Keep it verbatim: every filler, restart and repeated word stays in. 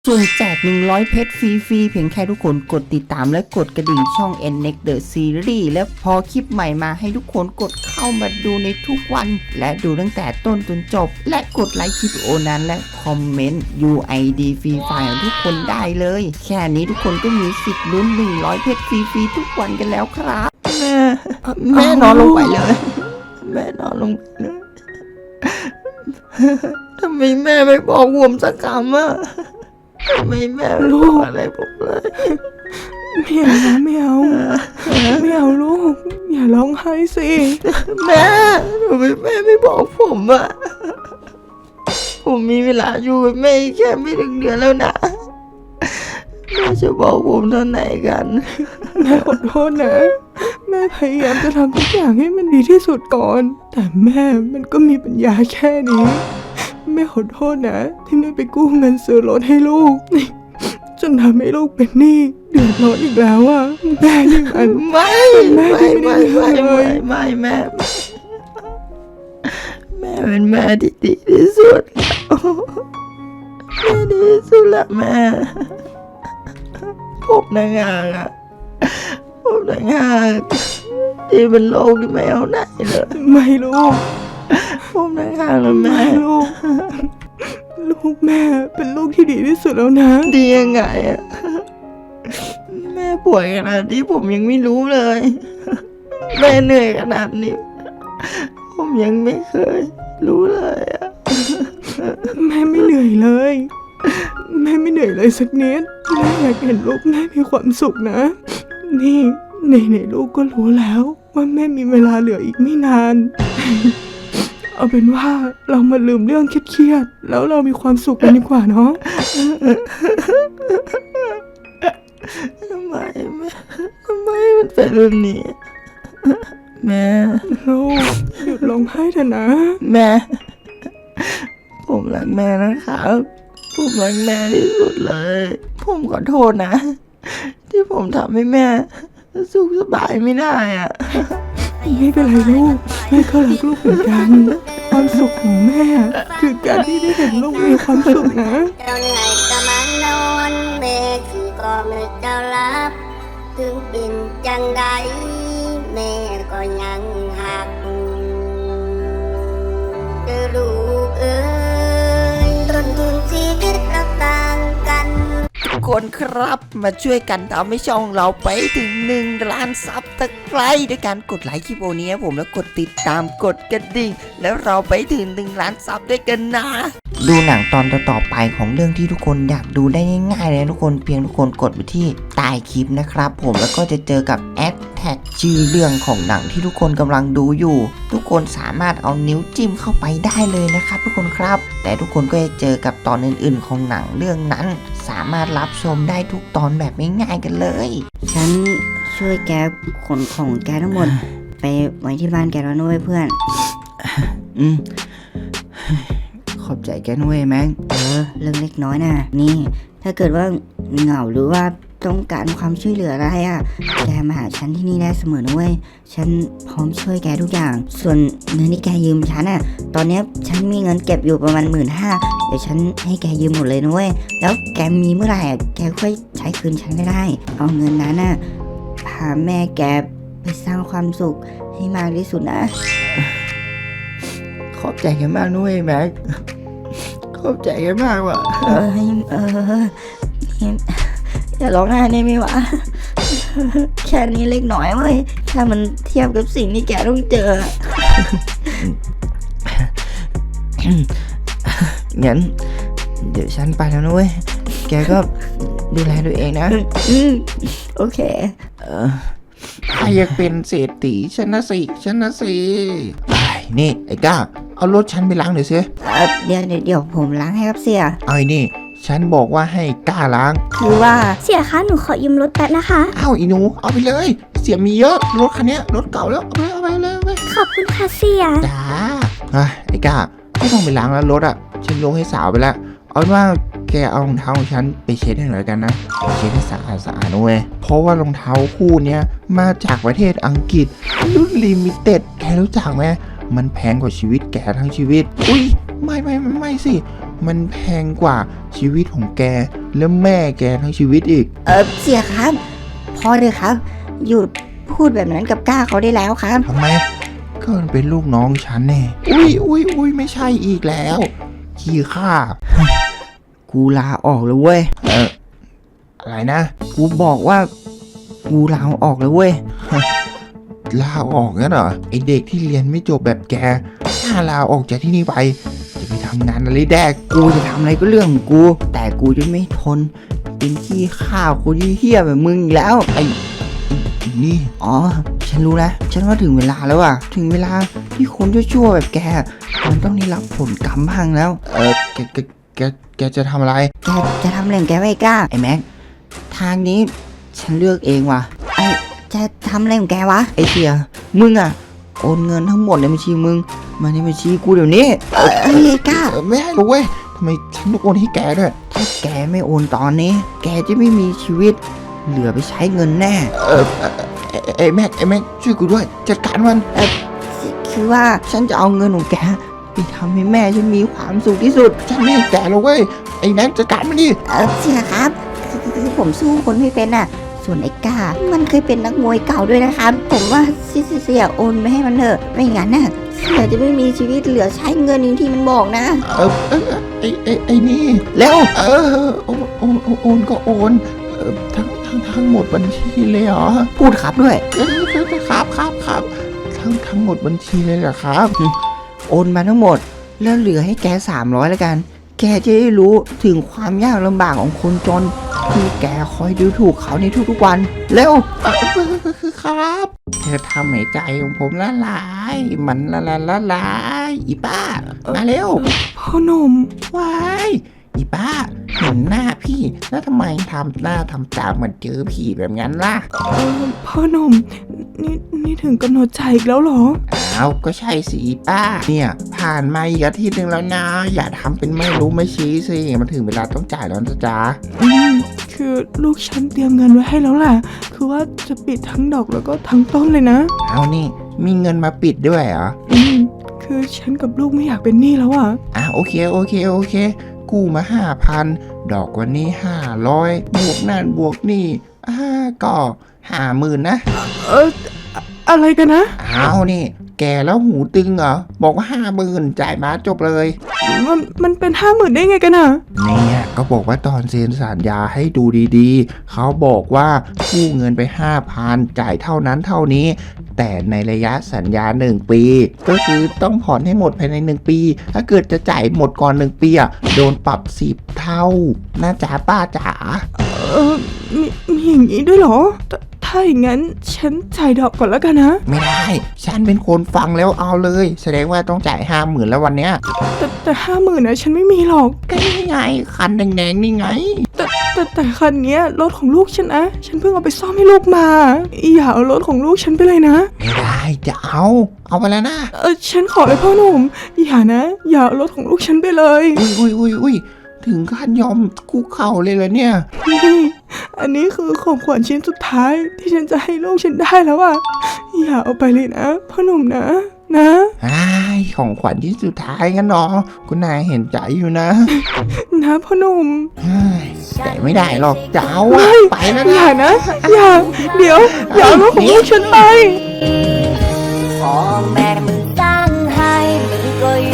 สุ่มแจกหนึ่งร้อยเพชรฟรีๆเพียงแค่ทุกคนกดติดตามและกดกระดิ่งช่อง เอ็น เน็ก The Series และพอคลิปใหม่มาให้ทุกคนกดเข้ามาดูในทุกวันและดูตั้งแต่ต้นจนจบและกดไลค์คลิปโอนั้นและคอมเมนต์ ยู ไอ ดี ฟรีไฟล์ของทุกคนได้เลยแค่นี้ทุกคนก็มีสิทธิ์ลุ้นหนึ่งร้อยเพชรฟรีๆทุกวันกันแล้วครับแม่แม่นอนลงไปเลยแม่นอนลงไปเลยทำไมแม่ไม่บอกผมสักคำอ่ะทำไมแม่ไม่บอกอะไรผมเลยไม่เอานะไม่เอาไม่เอาลูกอย่าร้องไห้สิแม่ทำไมแม่ไม่บอกผมอ่ะผมมีเวลาอยู่กับแม่แค่ไม่ถึงเดือนแล้วนะแม่จะบอกผมตอนไหนกันแม่ขอโทษนะแม่พยายามจะทำทุกอย่างให้มันดีที่สุดก่อนแต่แม่มันก็มีปัญญาแค่นี้แม่ขอโทษนะที่แม่ไปกู้เงินซื้อรถให้ลูกจนทำให้ลูกเป็นหนี้เดือดร้อนอีกแล้วอ่ะแม่นี่มันไม่ไม่ไม่ไม่ไม่ไม่แม่แม่เป็นแม่ที่ดีที่สุดแม่ดีที่สุดละแม่ผมนางานอะผมนางานที่เป็นโรคที่ไม่เอาไหนเลยไม่ลูกผมนางานแล้วแม่ลูกลูกแม่เป็นลูกที่ดีที่สุดแล้วนะดียังไงอะแม่ป่วยขนาดที่ผมยังไม่รู้เลยแม่เหนื่อยขนาดนี้ผมยังไม่เคยรู้เลยอะแม่ไม่เหนื่อยเลยแม่ไม่เหนื่อยเลยสักนิดแม่อยากเห็นลูกแม่มีความสุขนะนี่ในในลูกก็รู้แล้วว่าแม่มีเวลาเหลืออีกไม่นานเอาเป็นว่าเรามาลืมเรื่องเครียดๆแล้วเรามีความสุขกันดีกว่าเนาะทำไมแม่ทำไมมันเป็นแบบนี้แม่ลูกหยุดร้องไห้เถอะนะแม่ผมรักแม่นะครับผมรักแม่ที่สุดเลยผมขอโทษนะที่ผมทำให้แม่สุขสบายไม่ได้อ่ะไม่เป็นไรลูกแม่ก็รักลูกเหมือนกันความสุขของแม่คือการที่ได้เห็นลูกมีความสุขนะเราเหนื่อยก็มันนอนแม่คือก็ไม่เจ้ารับถึงเป็นจังใดแม่ก็ยังหักเด้อลูกเอ้ยต้นทุนชีวิตเราต่างกันทุกคนครับมาช่วยกันทำให้ช่องเราไปถึงหนึ่งล้านซับตะไคร้ด้วยการกดไลค์คลิปโอนี้ผมแล้วกดติดตามกดกระดิ่งแล้วเราไปถึงหนึ่งล้านซับด้วยกันนะดูหนังตอนต่อๆไปของเรื่องที่ทุกคนอยากดูได้ง่ายๆเลยทุกคนเพียงทุกคนกดไปที่ใต้คลิปนะครับผมแล้วก็จะเจอกับแอดแท็กชื่อเรื่องของหนังที่ทุกคนกำลังดูอยู่ทุกคนสามารถเอานิ้วจิ้มเข้าไปได้เลยนะครับทุกคนครับแต่ทุกคนก็จะเจอกับตอนอื่นๆของหนังเรื่องนั้นสามารถรับชมได้ทุกตอนแบบง่ายๆกันเลยฉันช่วยแกขนของแกทั้งหมดไปไว้ที่บ้านแกแล้วด้วยเพื่อนอืมขอบใจแกด้วยแม็กเออเรื่องเล็กน้อยนะนี่ถ้าเกิดว่าเหงาหรือว่าต้องการความช่วยเหลืออะไรอ่ะแกมาหาฉันที่นี่ได้เสมอนะเว้ยฉันพร้อมช่วยแกทุกอย่างส่วนเงินที่แกยืมฉันอ่ะตอนนี้ฉันมีเงินเก็บอยู่ประมาณหมื่นห้าเดี๋ยวฉันให้แกยืมหมดเลยนะเว้ยแล้วแกมีเมื่อไหร่อ่ะแกค่อยใช้คืนฉันได้เอาเงินนั้นอ่ะพาแม่แกไปสร้างความสุขให้มากที่สุดนะขอบใจแกมากด้วยแม็กขอบใจแกมากว่ะเออเอออย่าร้องไห้ได้ไหมวะแค่นี้เล็กน้อยเว้ยถ้ามันเทียบกับสิ่งที่แกต้องเจองั้นเดี๋ยวฉันไปแล้วนะเว้ยแกก็ดูแลตัวเองนะโอเคเออใครอยากเป็นเศรษฐีฉันนะสิฉันนะสินี่ไอ้ก้าเอารถฉันไปล้างหน่อยสิเดี๋ยวเดี๋ยวผมล้างให้ครับเสียเอาไอ้นี่ฉันบอกว่าให้ก้าล้างคือว่าเสียคะหนูขอยืมรถแป๊บนะคะอ้าวอีหนูเอาไปเลยเสียมีเยอะรถคันนี้รถเก่าแล้วเอาไปเอาไปเลยเอาไปขอบคุณค่ะเสียจ้าไอ้ก้าไม่ต้องไปล้างแล้วรถอ่ะฉันยกให้สาวไปแล้วเอาว่าแกเอารองเท้าของฉันไปเช็ดให้หน่อยกันนะเช็ดให้สะอาดสะอาดด้วยเพราะว่ารองเท้าคู่นี้มาจากประเทศอังกฤษรุ่นลิมิเต็ดแกรู้จักไหมมันแพงกว่าชีวิตแกทั้งชีวิตอุ้ยไม่ไม่ไม่ไม่สิมันแพงกว่าชีวิตของแกแล้วแม่แกทั้งชีวิตอีกเออเสียครับ พอเลยครับ หยุดพูดแบบนั้นกับก้าเขาได้แล้วครับทำไมก็มันเป็นลูกน้องฉันแน่อุ้ยอุ้ยอุ้ยไม่ใช่อีกแล้วขี้ข้ากูลาออกแล้วเว้ยเอออะไรนะกูบอกว่า กูลาออกแล้วเว้ยลาออกงั้นเหรอไอเด็กที่เรียนไม่จบแบบแกถ้าลาออกจากที่นี่ไป จะไปทำงานอะไรแดกกูจะทำอะไรก็เรื่องของกู แต่กูจะไม่ทนเป็นขี้ข้าวคนที่เหี้ยแบบมึงอีกแล้วไอ้ไอ้นี่อ๋อ ฉันรู้แล้ว ฉันว่าถึงเวลาแล้วอะถึงเวลาที่คนชั่วๆแบบแก มันต้องได้รับผลกรรมบ้างแล้วเออแกแกแกแกจะทำอะไรแกจะทำอะไรของแกไว้กล้า ไอ้แม็ก ทางนี้ฉันเลือกเองว่ะ ไอ้จะทำอะไรของแกวะ ไอ้เสีย มึงอะโอนเงินทั้งหมดในบัญชีมึง มาในบัญชีกูเดี๋ยวนี้ เอ้ยไอ้กล้าเออไม่ให้หรอกเว้ยทำไมฉันต้องโอนให้แกด้วยถ้าแกไม่โอนตอนนี้ แกจะไม่มีชีวิต เหลือไปใช้เงินแน่เออเออเออไอ้แม็กไอ้แม็กช่วยกูด้วยจัดการมันคือว่าฉันจะเอาเงินของแกไปทำให้แม่ฉันมีความสุขที่สุดฉันไม่ให้แกหรอกเว้ยไอ้แม็กจัดการมันดิเออเสียครับคือคือคือผมสู้คนไม่เป็นอ่ะ ส่วนไอ้ก้า มันเคยเป็นนักมวยเก่าด้วยนะครับ ผมว่าเสียเสียโอนไปให้มันเถอะ ไม่งั้นน่ะเสียจะไม่มีชีวิตเหลือใช้เงินอย่างที่มันบอกนะเออเออไอ้ไอ้ไอ้นี่เร็วเออโอนโอนโอนโอนก็โอนเออทั้งทั้งทั้งหมดบัญชีเลยเหรอพูดครับด้วยเออเออครับครับครับทั้งทั้งหมดบัญชีเลยเหรอครับโอนมาทั้งหมด แล้วเหลือให้แกสามร้อยแล้วกัน แกจะได้รู้ถึงความยากลำบากของคนจน ที่แกคอยดูถูกเขาในทุกๆวัน เร็วเออคือครับเธอทำให้ใจของผมละลาย มันละละละลายอีป้ามาเร็วพ่อหนุ่มว้ายอีป้าเห็นหน้าพี่ แล้วทำไมทำหน้าทำตาเหมือนเจอผีแบบนั้นล่ะเออพ่อหนุ่มนี่นี่ถึงกำหนดใจอีกแล้วเหรออ้าวก็ใช่สิอีป้า เนี่ย ผ่านมาอีกอาทิตย์หนึ่งแล้วนะ อย่าทำเป็นไม่รู้ไม่ชี้สิมันถึงเวลาต้องจ่ายแล้วนะจ๊ะอืมคือลูกฉันเตรียมเงินไว้ให้แล้วแหละคือว่าจะปิดทั้งดอกแล้วก็ทั้งต้นเลยนะเอานี่ มีเงินมาปิดด้วยเหรออืมคือฉันกับลูกไม่อยากเป็นหนี้แล้วอ่ะอ่ะโอเคโอเคโอเค กู้มาห้าพันดอกวันนี้ห้าร้อยบวกนั่นบวกนี่อ่าก็ห้าหมื่นนะเอออะอะไรกันนะเอานี่ แกแล้วหูตึงเหรอ บอกว่าห้าหมื่นจ่ายมาจบเลยมันมันเป็นห้าหมื่นได้ไงกันอ่ะเนี่ยก็บอกว่าตอนเซ็นสัญญาให้ดูดีๆ เขาบอกว่ากู้เงินไปห้าพันจ่ายเท่านั้นเท่านี้ แต่ในระยะสัญญาหนึ่งปี ก็คือต้องผ่อนให้หมดภายในหนึ่งปี ถ้าเกิดจะจ่ายหมดก่อนหนึ่งปีอ่ะโดนปรับสิบเท่าน่าจ๋าป้าจ๋าเออมีมีอย่างนี้ด้วยเหรอถถ้าอย่างนั้นฉันจ่ายดอกก่อนแล้วกันนะไม่ได้ ฉันเป็นคนฟังแล้วเอาเลย แสดงว่าต้องจ่ายห้าหมื่นแล้ววันเนี้ยแต่แต่ห้าหมื่นนะฉันไม่มีหรอกก็นี่ไงคันแดงๆนี่ไงแต่แต่แต่คันเนี้ยรถของลูกฉันนะ ฉันเพิ่งเอาไปซ่อมให้ลูกมา อย่าเอารถของลูกฉันไปเลยนะไม่ได้จะเอา เอาไปแล้วนะเออฉันขอเลยพ่อหนุ่ม อย่านะ อย่าเอารถของลูกฉันไปเลยอุ้ยอุ้ยอุ้ยอุ้ยถึงขั้นยอมคุกเข่าเลยเหรอเนี่ยนี่อันนี้คือของขวัญชิ้นสุดท้ายที่ฉันจะให้ลูกฉันได้แล้วอ่ะ อย่าเอาไปเลยนะพ่อหนุ่มนะ นะไอ้ของขวัญที่สุดท้ายกันเนาะคุณนายเห็นใจอยู่นะนะพ่อหนุ่มเฮ้ยแต่ไม่ได้หรอกจะเอาอะไปแล้วอนะย่านะ อย่า เดี๋ยว อย่าเอารถของลูกฉันไปพ่อแม่มึงตั้งให้มึงก็ย